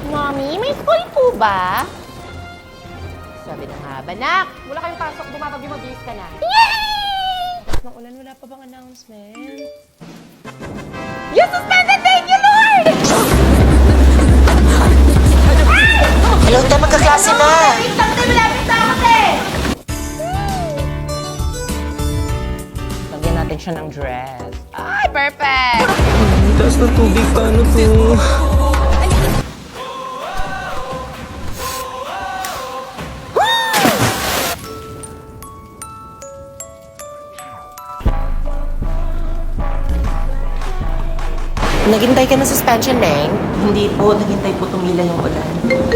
Mommy, may school po ba? Sabi na nga ba, Nak? Wala kayong pasok, bumabagyo, mabilis ka na. Yay! Nang ulan, wala pa bang announcement? You suspended! Thank you, Lord! Hello, tayo magkaklase na. Malapit na kasi! Lagyan natin siya ng dress. Ay, perfect! Taas ng tubig, paano to? Naghintay ka ng suspension, Neng? Hindi po, naghintay po tumila yung ulan.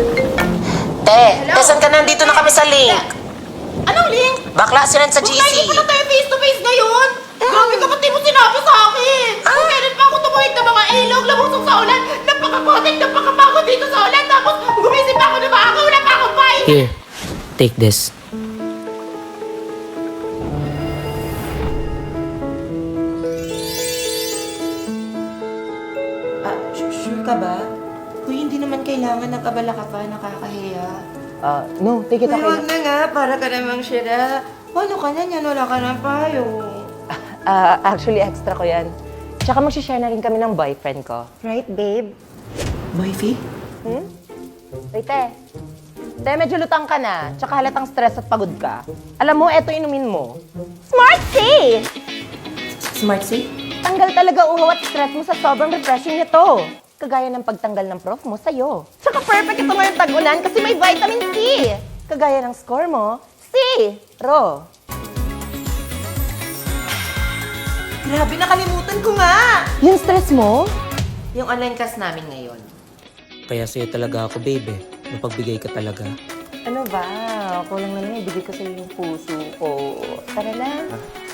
Saan ka nandito na kami sa link? Anong link? Bakla sila sa GC. Hindi pa na tayo face-to-face ngayon! Grabe ka, ba't di mo sinabi sa akin? Kung meron pa ako tumuhid ng mga ilog, labusog sa ulan, napakapotek, napakapagod dito sa ulan, tapos gumising pa ako na maaga, wala pa akong pain! Here, take this. Sure ka ba? Kuya, hindi naman kailangan nag-abala ka pa, nakakahiya. No, take it Kuya, okay. wag na nga, para ka namang sira. Ano ka na yan? Wala ka ng payo. Actually, extra ko yan. Tsaka mag-share na rin kami ng boyfriend ko. Right, babe? Boyfie? Wait, Te, medyo lutang ka na, tsaka halatang stress at pagod ka. Alam mo, eto inumin mo. Smart Tea! Smart safe? Tanggal talaga uhaw at stress mo sa sobrang refreshing nito. Kagaya ng pagtanggal ng prof mo sa'yo. Tsaka perfect ito ngayong tag-ulan kasi may vitamin C. Kagaya ng score mo, C. Ro. Grabe, nakalimutan ko nga! Yung stress mo? Yung online class namin ngayon. Kaya sa'yo talaga ako, babe eh. Mapagbigay ka talaga. Ano ba? Kulang na lang ibigay ko sa'yo yung puso ko. Tara na.